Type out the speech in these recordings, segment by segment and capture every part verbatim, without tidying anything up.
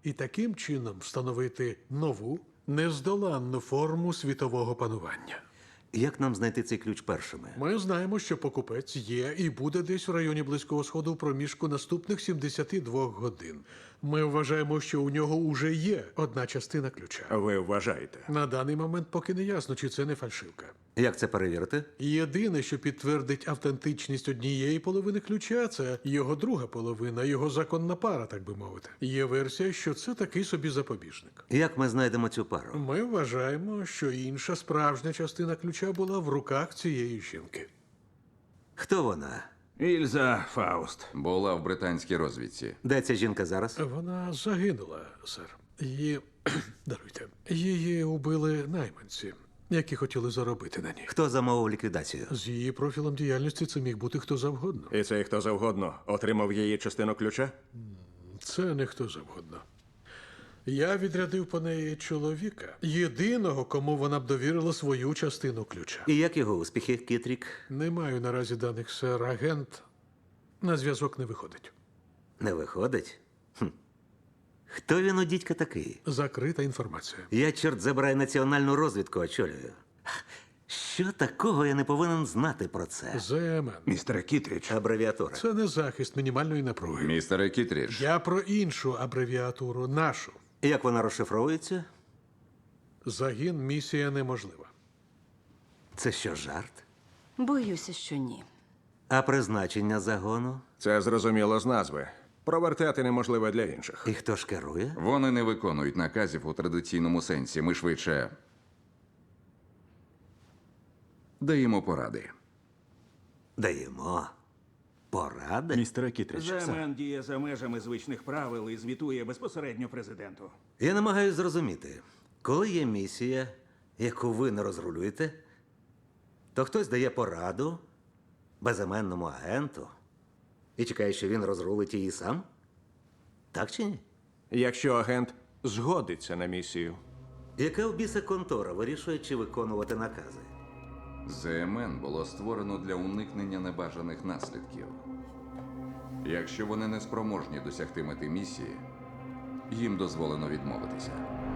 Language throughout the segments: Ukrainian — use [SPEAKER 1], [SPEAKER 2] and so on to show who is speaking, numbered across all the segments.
[SPEAKER 1] і таким чином встановити нову, нездоланну форму світового панування.
[SPEAKER 2] Як нам знайти цей ключ першими?
[SPEAKER 1] Ми знаємо, що покупець є і буде десь в районі Близького Сходу в проміжку наступних сімдесят два годин. Ми вважаємо, що у нього уже є одна частина ключа.
[SPEAKER 3] Ви вважаєте?
[SPEAKER 1] На даний момент поки не ясно, чи це не фальшивка.
[SPEAKER 2] Як це перевірити?
[SPEAKER 1] Єдине, що підтвердить автентичність однієї половини ключа, це його друга половина, його законна пара, так би мовити. Є версія, що це такий собі запобіжник.
[SPEAKER 2] Як ми знайдемо цю пару?
[SPEAKER 1] Ми вважаємо, що інша справжня частина ключа була в руках цієї жінки.
[SPEAKER 2] Хто вона?
[SPEAKER 3] Ільза Фауст.
[SPEAKER 4] Була в британській розвідці.
[SPEAKER 2] Де ця жінка зараз?
[SPEAKER 1] Вона загинула, сер. Її даруйте. Її убили найманці, які хотіли заробити на ній.
[SPEAKER 2] Хто замовив ліквідацію?
[SPEAKER 1] З її профілем діяльності це міг бути хто завгодно.
[SPEAKER 3] І цей хто завгодно отримав її частину ключа?
[SPEAKER 1] Це не хто завгодно. Я відрядив по неї чоловіка, єдиного, кому вона б довірила свою частину ключа.
[SPEAKER 2] І як його успіхи, Кітрік?
[SPEAKER 1] Не маю наразі даних, сер. Агент на зв'язок не виходить.
[SPEAKER 2] Не виходить? Хм. Хто він у дідька такий?
[SPEAKER 1] Закрита інформація.
[SPEAKER 2] Я, чорт забирай, національну розвідку очолюю. Що такого я не повинен знати про це?
[SPEAKER 1] ЗМН.
[SPEAKER 3] Містере Кітріч.
[SPEAKER 2] Абревіатура.
[SPEAKER 1] Це не захист мінімальної напруги.
[SPEAKER 4] Містере Кітрідж,
[SPEAKER 1] Я про іншу абревіатуру, нашу.
[SPEAKER 2] Як вона розшифровується?
[SPEAKER 1] Загін місія неможлива.
[SPEAKER 2] Це що, жарт?
[SPEAKER 5] Боюся, що ні.
[SPEAKER 2] А призначення загону?
[SPEAKER 3] Це зрозуміло з назви. Провертати неможливо для інших.
[SPEAKER 2] І хто ж керує?
[SPEAKER 4] вони не виконують наказів у традиційному сенсі. Ми швидше даємо поради.
[SPEAKER 2] Даємо. Поради?
[SPEAKER 6] Містере Кітрич, сер.
[SPEAKER 7] ЗМН діє за межами звичних правил і звітує безпосередньо президенту.
[SPEAKER 2] Я намагаюся зрозуміти, коли є місія, яку ви не розрулюєте, то хтось дає пораду безіменному агенту і чекає, що він розрулить її сам? Так чи ні?
[SPEAKER 3] Якщо агент згодиться на місію.
[SPEAKER 2] Яка в біса контора вирішує, чи виконувати накази?
[SPEAKER 4] ЗМН було створено для уникнення небажаних наслідків. Якщо вони не спроможні досягти мети місії, їм дозволено відмовитися.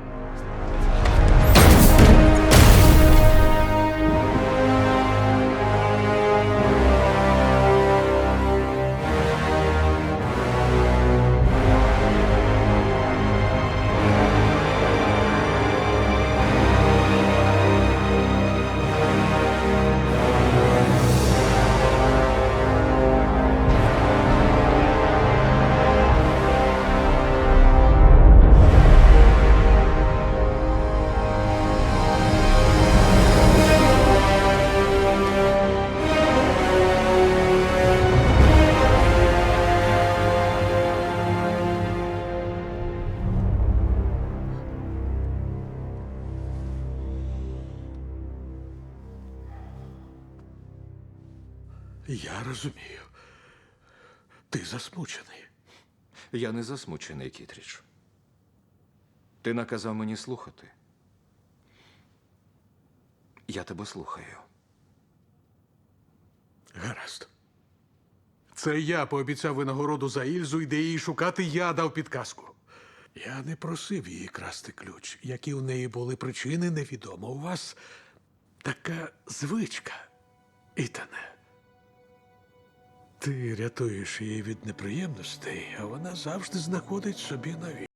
[SPEAKER 1] Я розумію. Ти засмучений.
[SPEAKER 6] Я не засмучений, Кітріч. Ти наказав мені слухати. Я тебе слухаю.
[SPEAKER 1] Гаразд. Це я пообіцяв винагороду за Ільзу, і де її шукати, я дав підказку. Я не просив її красти ключ. Які у неї були причини, невідомо. У вас така звичка, Ітане. Ти рятуєш її від неприємностей, а вона завжди знаходить собі нові.